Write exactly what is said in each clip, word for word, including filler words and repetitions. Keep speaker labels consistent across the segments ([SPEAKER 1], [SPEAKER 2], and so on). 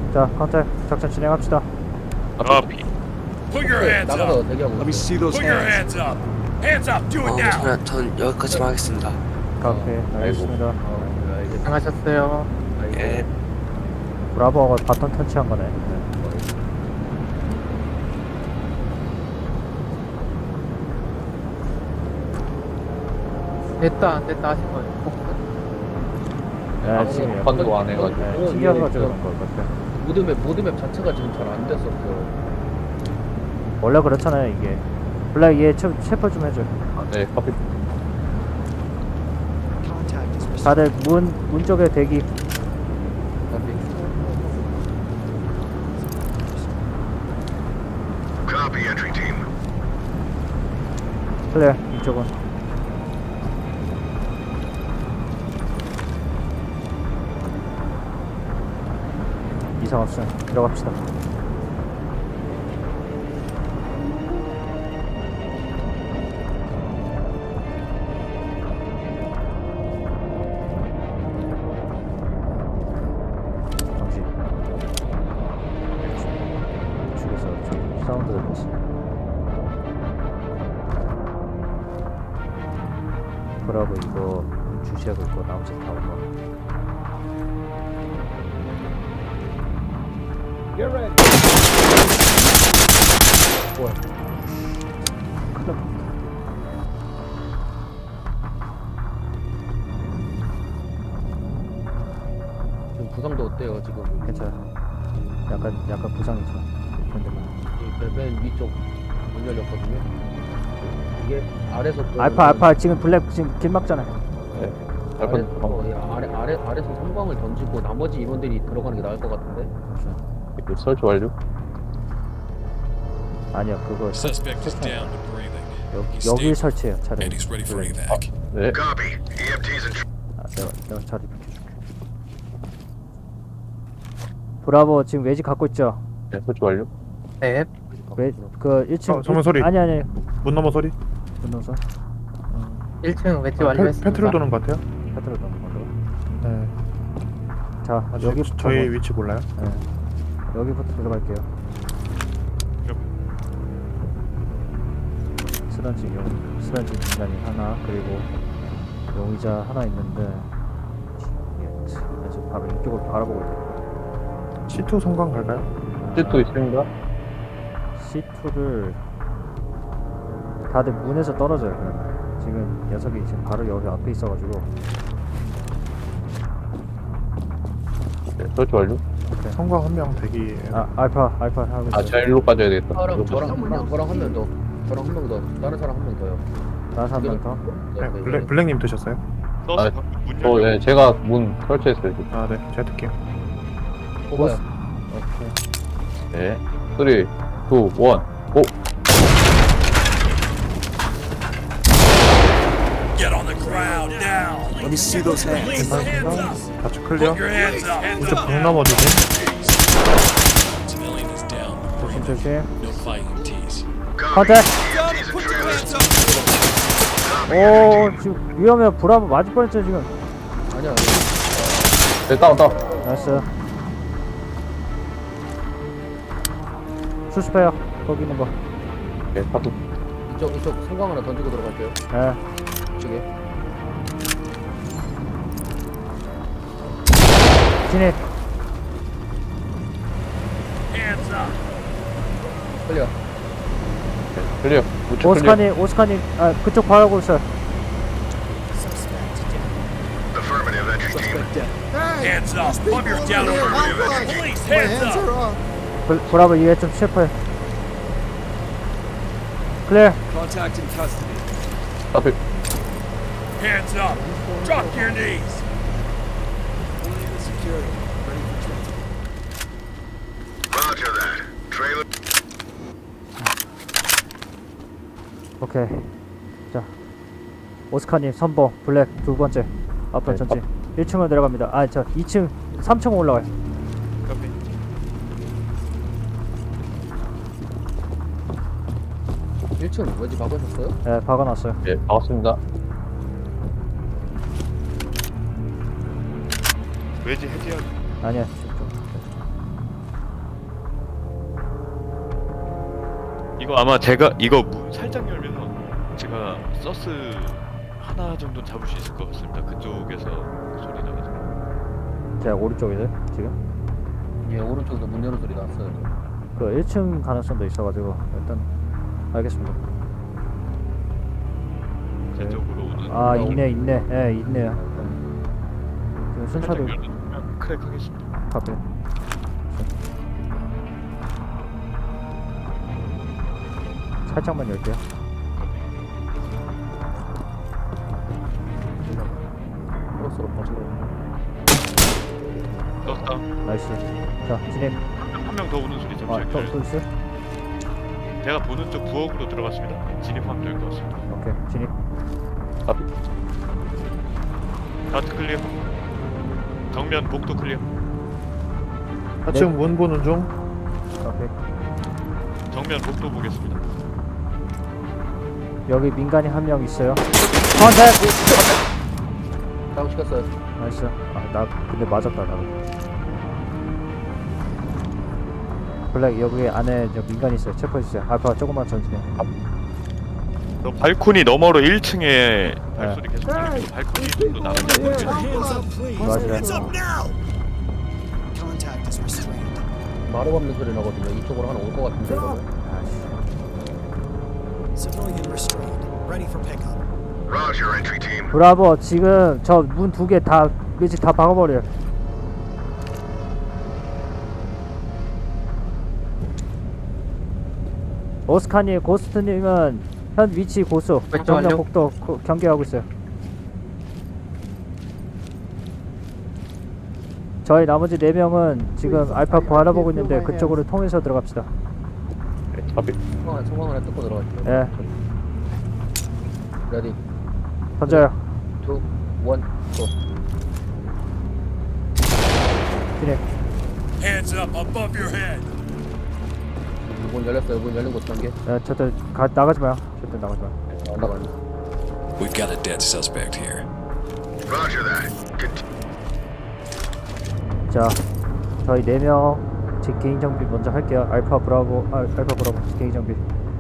[SPEAKER 1] 자, 컨택 작전 진행합시다.
[SPEAKER 2] Copy.
[SPEAKER 3] Put your hands
[SPEAKER 4] 나가서
[SPEAKER 3] up.
[SPEAKER 4] 대기하고
[SPEAKER 5] Let me
[SPEAKER 4] 있어.
[SPEAKER 5] see those
[SPEAKER 3] Put your
[SPEAKER 5] hands.
[SPEAKER 3] hands up. Hands up. Do it
[SPEAKER 6] 어,
[SPEAKER 3] now.
[SPEAKER 6] 저는, 전 여기까지만 하겠습니다.
[SPEAKER 1] 오케이, 알겠습니다.
[SPEAKER 4] 어, 알겠어.
[SPEAKER 7] 고생하셨어요.
[SPEAKER 6] 예.
[SPEAKER 1] 브라보가 바톤 터치한 거네. 네.
[SPEAKER 7] 됐다 안 됐다 하신 거예요.
[SPEAKER 1] 네, 지금 약간
[SPEAKER 2] 번도 안 해가지고.
[SPEAKER 1] 네, 튕겨가지고 그런 것 같아요.
[SPEAKER 4] 모드맵 모드맵 자체가 지금 잘 안 됐었어.
[SPEAKER 1] 원래 그렇잖아요, 이게. 블랙 얘 체, 체포 좀 해줘.
[SPEAKER 2] 네, 커피.
[SPEAKER 1] 다들 문, 문 쪽에 대기.
[SPEAKER 8] Copy, entry team.
[SPEAKER 1] 클리어, 이쪽은. 이상 없음. 들어갑시다. 정신. 죽여서 저 사운드 들렸어. 브라보 이거 주시하고 있고 나머지 다 오면.
[SPEAKER 5] Get ready.
[SPEAKER 1] 뭐야? 큰일
[SPEAKER 4] 지금 부상도 어때요 지금?
[SPEAKER 1] 괜찮아. 약간 약간 부상이죠. 근데 뭐.
[SPEAKER 4] 이 맨 위쪽 문 열렸거든요. 이게 아래서
[SPEAKER 1] 알파 알파 지금 블랙 지금 길 막잖아.
[SPEAKER 2] 네.
[SPEAKER 4] 아래,
[SPEAKER 2] 알파.
[SPEAKER 4] 어, 예, 아래 아래 아래서 성광을 던지고 나머지 인원들이 들어가는 게 나을 것 같은데.
[SPEAKER 2] 이거 설치 완료.
[SPEAKER 1] 아니야 그거 설-
[SPEAKER 3] Suspect is
[SPEAKER 1] 설치.
[SPEAKER 3] down to breathing.
[SPEAKER 1] 여기 여기 설치해요 차라리.
[SPEAKER 3] And he's ready for
[SPEAKER 1] 블랙.
[SPEAKER 3] evac.
[SPEAKER 2] 네.
[SPEAKER 8] Copy. E M Ts in.
[SPEAKER 1] 아, 내가 내가 자리 비켜줄게. 브라보 지금 외지 갖고 있죠.
[SPEAKER 2] 네, 설치 완료.
[SPEAKER 7] 네.
[SPEAKER 1] 외그 일 층.
[SPEAKER 5] 어, 전문 소리.
[SPEAKER 1] 아니 아니.
[SPEAKER 5] 문 넘어 소리.
[SPEAKER 1] 분노선.
[SPEAKER 7] 일 층 외지
[SPEAKER 5] 아,
[SPEAKER 7] 완료했습니다.
[SPEAKER 5] 페트롤 도는 것 같아요.
[SPEAKER 1] 패트롤 넣는 걸로.
[SPEAKER 5] 네.
[SPEAKER 1] 자
[SPEAKER 5] 아직
[SPEAKER 1] 여기
[SPEAKER 5] 저희 위치 몰라요.
[SPEAKER 1] 네. 여기부터 들어갈게요. 스런지 용 스런지 인간이 하나 그리고 용의자 하나 있는데 예, 지금 바로 이쪽을 바라보고 있어요.
[SPEAKER 5] 씨 투 성광 갈까요?
[SPEAKER 2] 시트 있습니다.
[SPEAKER 1] 씨 투를 다들 문에서 떨어져요. 그냥. 지금 녀석이 지금 바로 여기 앞에 있어가지고
[SPEAKER 2] 네, 설치 완료.
[SPEAKER 5] 성광 한 명 대기.
[SPEAKER 1] 아 알파 알파 하고
[SPEAKER 2] 아,
[SPEAKER 1] 있어요.
[SPEAKER 2] 제가 일로 빠져야 되겠다.
[SPEAKER 4] 저랑
[SPEAKER 2] 일로
[SPEAKER 4] 저랑 저랑 저랑 한 명 더. 저랑 한 명 더. 다른 사람 한 명 더요.
[SPEAKER 1] 나서 한 명 더.
[SPEAKER 5] 네, 블랙 블랙님 드셨어요?
[SPEAKER 2] 아, 어, 네, 제가 문 설치했어요. 지금.
[SPEAKER 5] 아, 네, 제가 듣게요.
[SPEAKER 4] 뽑아요.
[SPEAKER 2] 네. 삼, 이, 일, 고!
[SPEAKER 3] Get on the ground now.
[SPEAKER 5] Let me see those hands.
[SPEAKER 3] Hands up.
[SPEAKER 5] 좌측 클리어.
[SPEAKER 3] Put your hands up. Hands
[SPEAKER 5] 우측
[SPEAKER 3] up.
[SPEAKER 5] 벽 넘어 주심.
[SPEAKER 3] Civilian is down.
[SPEAKER 1] 조심 조심.
[SPEAKER 3] No fighting T's.
[SPEAKER 8] Copy.
[SPEAKER 1] Contact.
[SPEAKER 8] E M Ts in trailer.
[SPEAKER 1] 오 지금 위험해. 브라보 맞을 뻔했죠 지금.
[SPEAKER 4] 아니야.
[SPEAKER 2] 네, 다운, 다운.
[SPEAKER 1] 나이스. 수습해요. 거기 있는 거.
[SPEAKER 2] 네, 파도.
[SPEAKER 4] 이쪽 이쪽 성광 하나 던지고 들어갈게요.
[SPEAKER 1] 예.
[SPEAKER 4] 이쪽에.
[SPEAKER 1] 진입.
[SPEAKER 3] Hands up.
[SPEAKER 4] 클리어.
[SPEAKER 2] 네, 클리어. 우측 클리어.
[SPEAKER 1] 오스카니 오스카니 아 그쪽 바라보고 있어요.
[SPEAKER 8] Affirmative, entry team.
[SPEAKER 3] Hands up. Pump your down over. Police, hands up.
[SPEAKER 1] 브, 브라보 이에 좀 셰프해. 클리어.
[SPEAKER 5] Contact in custody.
[SPEAKER 2] 앞에.
[SPEAKER 3] Hands up. Drop to your knees.
[SPEAKER 8] Roger that. Trailer.
[SPEAKER 1] 오케이. 자 오스카님 선봉 블랙 두 번째 앞번
[SPEAKER 2] 네,
[SPEAKER 1] 전진. 일 층으로 내려갑니다. 아 저 이 층 삼 층 올라가요.
[SPEAKER 4] 일 층 왠지 박으셨어요?
[SPEAKER 1] 네 박아놨어요.
[SPEAKER 2] 네, 반갑습니다.
[SPEAKER 9] 외지 해제하기.
[SPEAKER 1] 아니야 좀, 좀.
[SPEAKER 9] 이거 아마 제가 이거 문 살짝 열면서 제가 서스 하나 정도 잡을 수 있을 것 같습니다. 그쪽에서 소리 나가지고.
[SPEAKER 1] 제가 오른쪽이죠 지금.
[SPEAKER 4] 예, 오른쪽에서 문 여는 소리 났어요.
[SPEAKER 1] 그 일 층 가능성도 있어가지고 일단 알겠습니다.
[SPEAKER 9] 제 쪽으로 오는.
[SPEAKER 1] 아 있네 있네 예 있네요. 지금 순차도
[SPEAKER 9] 살짝 열면 크랙 하겠습니다.
[SPEAKER 1] 카페. 살짝만 열게요.
[SPEAKER 4] 크로스로 버티고.
[SPEAKER 9] 떴다.
[SPEAKER 1] 나이스. 자 진입.
[SPEAKER 9] 한 명 더 오는 소리 잠시만요.
[SPEAKER 1] 아또 또 있어요?
[SPEAKER 9] 제가 보는 쪽 부엌으로 들어갔습니다. 진입 확정인 것 같습니다.
[SPEAKER 1] 오케이 진입.
[SPEAKER 9] 다트 클리어. 정면 복도 클리어.
[SPEAKER 5] 사층 문 보는 중.
[SPEAKER 1] 오케이.
[SPEAKER 9] 정면 복도 보겠습니다.
[SPEAKER 1] 여기 민간인 한 명 있어요. 컨택.
[SPEAKER 4] 다운 시켰어요.
[SPEAKER 1] 나이스. 아나 근데 맞았다 나. 블랙 여기 안에 저 민간 있어요. 체포해 주세요. 알파 조금만 전진해.
[SPEAKER 9] 저 발코니 너머로 일 층에 발소리 계속 들리고 발코니 쪽도 나가지 않고
[SPEAKER 3] Hands up, please.
[SPEAKER 1] Roger that.
[SPEAKER 3] Hands up now. Contact is restrained.
[SPEAKER 4] 마루 밟는 소리 나거든요. 이쪽으로 하나 올 것 같은데 이러면.
[SPEAKER 3] Civilian restrained. Ready for pickup.
[SPEAKER 8] Roger, entry team.
[SPEAKER 1] 브라보 지금 저 문 두 개 다 일찍 다 박아버려. 오스카님 고스트님은 현 위치 고수
[SPEAKER 7] 왼쪽
[SPEAKER 1] 정면
[SPEAKER 7] 완료.
[SPEAKER 1] 복도 고- 경계하고 있어요. 저희 나머지 네 명은 지금 알파 바라보고 있는데 그쪽으로 통해서 들어갑시다.
[SPEAKER 2] 잡이.
[SPEAKER 4] 성광 성광을 뜯고 들어갈게요.
[SPEAKER 1] 예,
[SPEAKER 4] 레디.
[SPEAKER 1] 던져요.
[SPEAKER 4] 투, 원, 고.
[SPEAKER 1] 진입.
[SPEAKER 3] Hands up above your head.
[SPEAKER 4] 문 열렸어요. 문 열린 곳 단계.
[SPEAKER 1] 예, 저들 가 나가지 마요. 저들 나가지 마요.
[SPEAKER 4] 안 나가요.
[SPEAKER 3] We've got a dead suspect here.
[SPEAKER 8] Roger that. Cont-
[SPEAKER 1] 자, 저희 네 명 제 개인 정비 먼저 할게요. 알파 브라보, 아, 알파 브라보 개인 정비.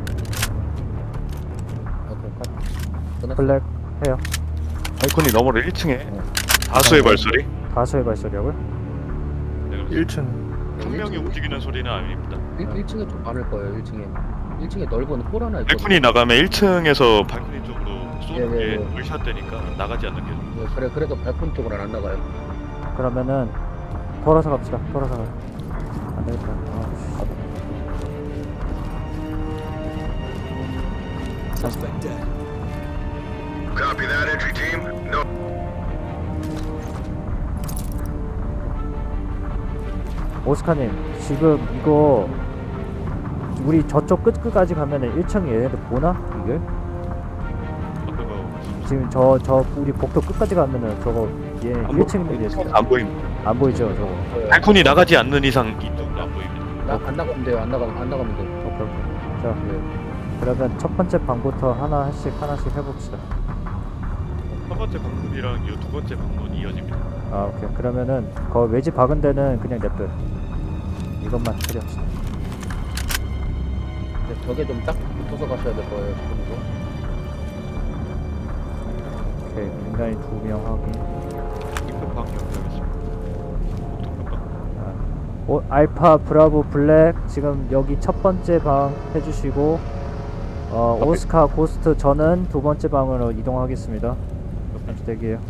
[SPEAKER 4] 오케이, 컷. 끝났어.
[SPEAKER 1] 블랙 해요.
[SPEAKER 9] 발코니 너머로 일 층에 다수의 발소리.
[SPEAKER 1] 다수의 발소리하고요.
[SPEAKER 5] 일 층.
[SPEAKER 9] 한 명이 움직이는 소리는 아닙니다.
[SPEAKER 4] 일 층에 좀 많을 거예요. 일 층에. 일 층에 넓은 홀 하나 있거든요.
[SPEAKER 9] 발코니 나가면 일 층에서 발코니 쪽으로 쏘는
[SPEAKER 4] 예, 예,
[SPEAKER 9] 게
[SPEAKER 4] 예.
[SPEAKER 9] 물샷 되니까 나가지 않는 게.
[SPEAKER 4] 네, 그래 그래도 발코니 쪽으로는 안 나가요.
[SPEAKER 1] 그러면은 돌아서 갑시다. 돌아서 가요. 안 되겠다. 아,
[SPEAKER 3] Suspect dead.
[SPEAKER 8] Copy that, entry team. No.
[SPEAKER 1] 오스카님, 지금 이거 우리 저쪽 끝끝까지 가면은 일 층 얘네들 보나? 이걸?
[SPEAKER 9] 어떤 거
[SPEAKER 1] 지금 저 저 우리 복도 끝까지 가면은 저거 얘 일 층 있는 애
[SPEAKER 9] 안 보입니다.
[SPEAKER 1] 안 보이죠, 저거.
[SPEAKER 9] 발코니 나가지 않는 이상 이쪽도 안 보입니다.
[SPEAKER 4] 나, 안 나가면 돼요. 안 나가면 안 나가면 돼요.
[SPEAKER 1] 오케이, 오케이. 자,
[SPEAKER 4] 네.
[SPEAKER 1] 그러면 첫 번째 방부터 하나씩 하나씩 해봅시다.
[SPEAKER 9] 첫 번째 방문이랑 이 두 번째 방문이 이어집니다.
[SPEAKER 1] 아, 오케이. 그러면은 거 외지 박은 데는 그냥 냅둬요. 이것만 처리합시다.
[SPEAKER 4] 이제 벽에 좀 딱 붙어서 가셔야 될 거예요. 지금도.
[SPEAKER 1] 오케이. 민간인 두 명 확인.
[SPEAKER 9] 입구 방 연결하겠습니다. 복도 끝방.
[SPEAKER 1] 오, 알파 브라보 블랙 지금 여기 첫 번째 방 해주시고 어, 오스카 고스트 저는 두 번째 방으로 이동하겠습니다. 잠시 대기해요.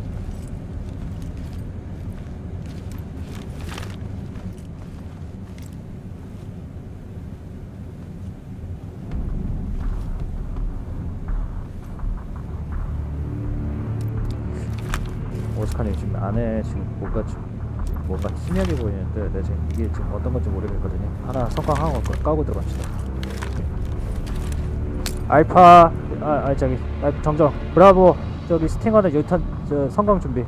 [SPEAKER 1] 오스카님 지금 안에 지금 뭔가 좀 뭔가 희미하게 보이는데 네, 지금 이게 지금 어떤 건지 모르겠거든요. 하나 성광 하고 까고 들어갑시다. 알파 아, 아 저기 아, 정정 브라보 저기 스팅어는 유탄 저 성광 준비.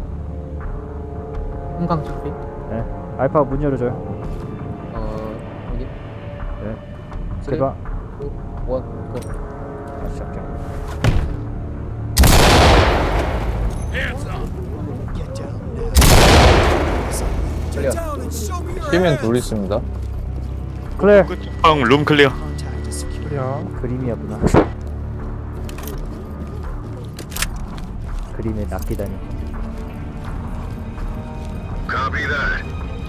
[SPEAKER 7] 한강 준비.
[SPEAKER 1] 네 알파 문 열어줘요.
[SPEAKER 4] 어 여기.
[SPEAKER 1] 네
[SPEAKER 4] 쓰리,
[SPEAKER 1] 대박.
[SPEAKER 4] 투, 원, 고.
[SPEAKER 1] 다시 할게요.
[SPEAKER 3] Hands up. Get down now.
[SPEAKER 4] 클리어.
[SPEAKER 3] Get down and show me your
[SPEAKER 2] 시면
[SPEAKER 3] hands.
[SPEAKER 2] 둘 있습니다.
[SPEAKER 1] 클레어
[SPEAKER 9] 끝방 룸 클리어.
[SPEAKER 3] Contact is secure.
[SPEAKER 5] 클리어.
[SPEAKER 1] 그림이었구나. 그림에 낚이다니.
[SPEAKER 8] Copy that.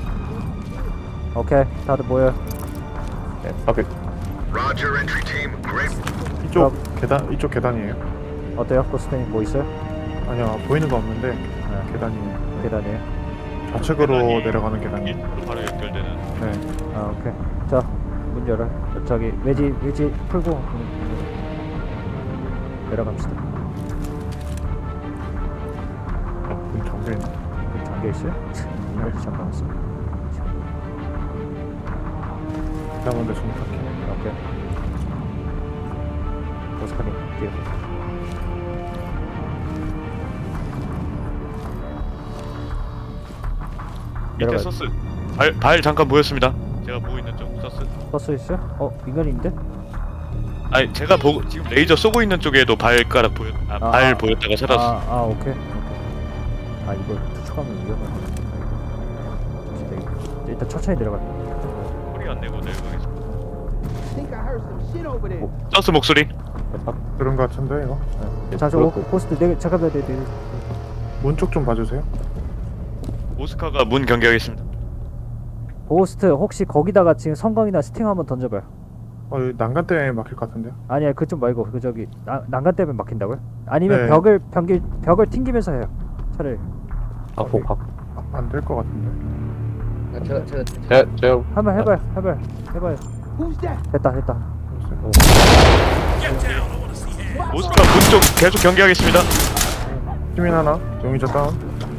[SPEAKER 1] 오케이, 다들 모여.
[SPEAKER 2] 네, 앞에
[SPEAKER 8] Roger, entry team. Great.
[SPEAKER 5] 이쪽 계단 이쪽 계단이에요.
[SPEAKER 1] 어때요? 코스트님 뭐 있어요?
[SPEAKER 5] 아니요 보이는 거 없는데
[SPEAKER 1] 네,
[SPEAKER 5] 계단이에요.
[SPEAKER 1] 계단이에요.
[SPEAKER 5] 좌측으로
[SPEAKER 9] 계단이
[SPEAKER 5] 내려가는 계단이에요.
[SPEAKER 9] 일로 바로 연결되는.
[SPEAKER 5] 네.
[SPEAKER 1] 아, 오케이. 자, 문 열어. 저기 외지 외지 풀고 문, 문 내려갑시다.
[SPEAKER 5] 어, 문 잠겨 있네.
[SPEAKER 1] 문 잠겨 있어요? 어디 잠가놨어?
[SPEAKER 5] 계단인데 좀 탁해.
[SPEAKER 1] 오케이. 오스카님 뒤에.
[SPEAKER 9] 밑에
[SPEAKER 1] 내려가요.
[SPEAKER 9] 서스. 발, 발 잠깐 보였습니다. 제가 보고 있는 쪽 서스.
[SPEAKER 1] 버스 있어요? 어, 민간인데?
[SPEAKER 9] 아니 제가 보고 지금 레이저 쏘고 있는 쪽에도 발가락 보였. 아,
[SPEAKER 1] 아,
[SPEAKER 9] 발
[SPEAKER 1] 아.
[SPEAKER 9] 보였다가 살았어.
[SPEAKER 1] 아, 아, 오케이. 오케이. 아, 이거 투척하면 위험하네. 일단 천천히 내려가.
[SPEAKER 9] 소리 안 내고 내려가겠습니다. 서스 목소리.
[SPEAKER 5] 들은 거 같은데 이거.
[SPEAKER 1] 자, 저 호스트 네, 잠깐만, 네, 네.
[SPEAKER 5] 문 쪽 좀 봐주세요.
[SPEAKER 9] 오스카가 문 경계하겠습니다.
[SPEAKER 1] 호스트 혹시 거기다가 지금 성광이나 스팅 한번 던져봐요.
[SPEAKER 5] 어 여기 난간 때문에 막힐 것 같은데요.
[SPEAKER 1] 아니야, 그쪽 말고 그 저기 나, 난간 때문에 막힌다고요? 아니면
[SPEAKER 5] 네.
[SPEAKER 1] 벽을 벽을 벽을 튕기면서 해요. 차라리.
[SPEAKER 2] 갖고 갖고
[SPEAKER 5] 안 될 것 같은데.
[SPEAKER 4] 아, 제가 제가
[SPEAKER 2] 제가 제가
[SPEAKER 1] 한번 해봐요, 해봐요, 해봐요. 됐다, 됐다.
[SPEAKER 3] Get down. I want to see hands.
[SPEAKER 9] 오스카 문 쪽 계속 경계하겠습니다.
[SPEAKER 5] 시민 하나. 용의자 다운.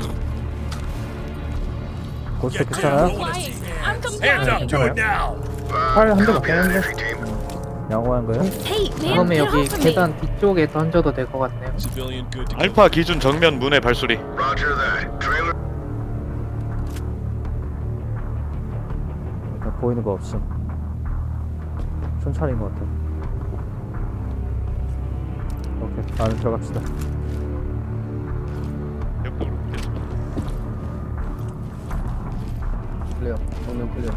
[SPEAKER 1] 고스트
[SPEAKER 3] Get down. I
[SPEAKER 1] 괜찮아요?
[SPEAKER 3] want to see hands. Hands up. Do it now.
[SPEAKER 5] 팔 한 대
[SPEAKER 8] Copy that,
[SPEAKER 5] 맞겠는데.
[SPEAKER 8] entry team.
[SPEAKER 1] 양호한 거요?
[SPEAKER 7] 그러면 여기 계단 뒤쪽에 던져도 될 것 같네요.
[SPEAKER 3] Civilian good to go.
[SPEAKER 9] 알파 기준 정면 문의 발소리.
[SPEAKER 8] Roger that. Trailer.
[SPEAKER 1] 일단 보이는 거 없음. 천천히인 것 같아. 오케이, 안에 들어갑시다.
[SPEAKER 9] 옆으로 됐습니다.
[SPEAKER 4] 클리어. 정면 클리어.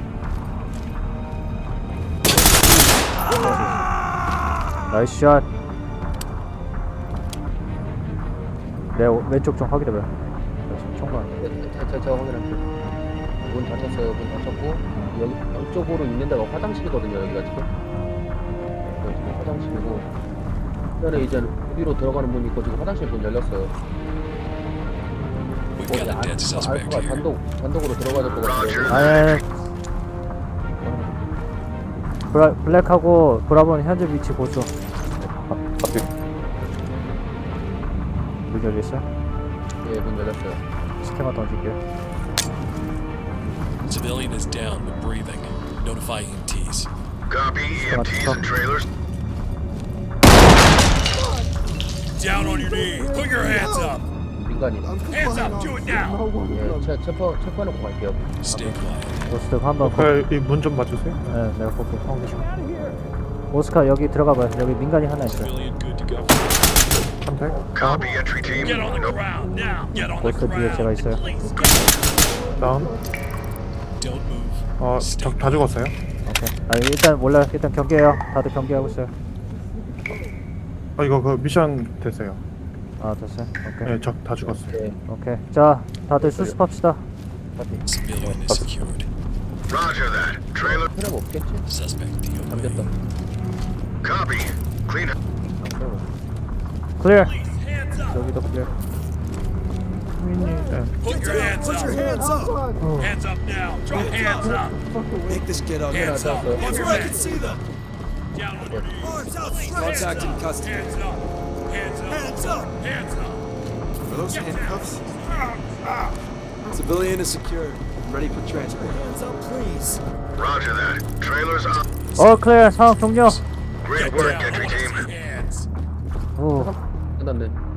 [SPEAKER 1] 나이스 샷. 내 오- 왼쪽 좀 확인해봐요. 나 지금 총괄.
[SPEAKER 4] 제가 제가 제가 확인할게요. 문 닫혔어요. 문 닫혔고 여기 양쪽으로 있는 데가 화장실이거든요. 여기가 지금. 여기 지금 화장실이고. 그다음에 이제 어디로 들어가는 문이 있고 지금 화장실 문 열렸어요.
[SPEAKER 3] We've got a dead suspect
[SPEAKER 4] 알파가
[SPEAKER 3] here.
[SPEAKER 4] 단독 단독으로 들어가야 될 것 같은데.
[SPEAKER 8] Roger.
[SPEAKER 1] 아니, 아니. 브라, 블랙하고 브라보는 현재 위치 고수.
[SPEAKER 2] 앞에
[SPEAKER 1] 문 열렸어요?
[SPEAKER 4] 예, 문 열렸어요.
[SPEAKER 1] 스캐너 던질게요.
[SPEAKER 3] Civilian is down but breathing. Notify E M Ts.
[SPEAKER 8] Copy. E M Ts and trailers.
[SPEAKER 3] Down on your knees. Put your hands up.
[SPEAKER 4] 민간인.
[SPEAKER 3] Hands up. Do it now.
[SPEAKER 4] 예, 체 체포 체포해놓고 갈게요.
[SPEAKER 3] Stay quiet.
[SPEAKER 1] 고스트 한번 거...
[SPEAKER 5] 이문 좀 봐주세요.
[SPEAKER 1] 네, 내가 볼게.
[SPEAKER 5] 어, 계시.
[SPEAKER 1] 오스카 여기 들어가봐요. 여기 민간이 하나 있어요.
[SPEAKER 3] Civilian good to go.
[SPEAKER 5] 한 대.
[SPEAKER 8] Copy, entry team.
[SPEAKER 3] Get on the
[SPEAKER 8] No.
[SPEAKER 3] ground now. Get on the
[SPEAKER 1] 고스트 뒤에 제가
[SPEAKER 3] ground.
[SPEAKER 1] 있어요.
[SPEAKER 3] Please. Get
[SPEAKER 5] 다운.
[SPEAKER 3] Don't move.
[SPEAKER 5] 어,
[SPEAKER 3] Stay
[SPEAKER 5] 적 다 죽었어요.
[SPEAKER 1] 오케이. 아 일단 몰라요. 일단 경계해요. 다들 경계하고 있어요.
[SPEAKER 5] 어, 이거 그 미션 됐어요.
[SPEAKER 1] 아 됐어요. 오케이.
[SPEAKER 5] 네, 적 다 죽었어요.
[SPEAKER 4] 예,
[SPEAKER 1] 오케이. 자, 다들 수습합시다.
[SPEAKER 3] Civilian is secured.
[SPEAKER 8] Roger that. Trailer.
[SPEAKER 4] 필요가 없겠지?
[SPEAKER 3] Suspect D O A.
[SPEAKER 4] 잠겼다.
[SPEAKER 8] Copy. Clean.
[SPEAKER 1] 클리어.
[SPEAKER 3] Please. Hands up.
[SPEAKER 1] 여기도 클리어.
[SPEAKER 5] 시민이 네.
[SPEAKER 3] Put your hands up. Put your hands up. Hands up now. Drop hands up. Make this get up. Hands up. Above your head. See them. Down on your knees. Contact in custody. Hands up. Hands up. Hands up. Hands up.
[SPEAKER 10] Are those handcuffs? Civilian is secured. Ready for transport. Hands up, please.
[SPEAKER 8] Roger that. Trailers up.
[SPEAKER 1] 어 클리어. 상황 종료.
[SPEAKER 8] Great
[SPEAKER 3] Get
[SPEAKER 8] work,
[SPEAKER 3] down. I
[SPEAKER 8] entry
[SPEAKER 3] want to
[SPEAKER 8] team.
[SPEAKER 3] see hands.
[SPEAKER 1] 오.
[SPEAKER 4] 끝났네.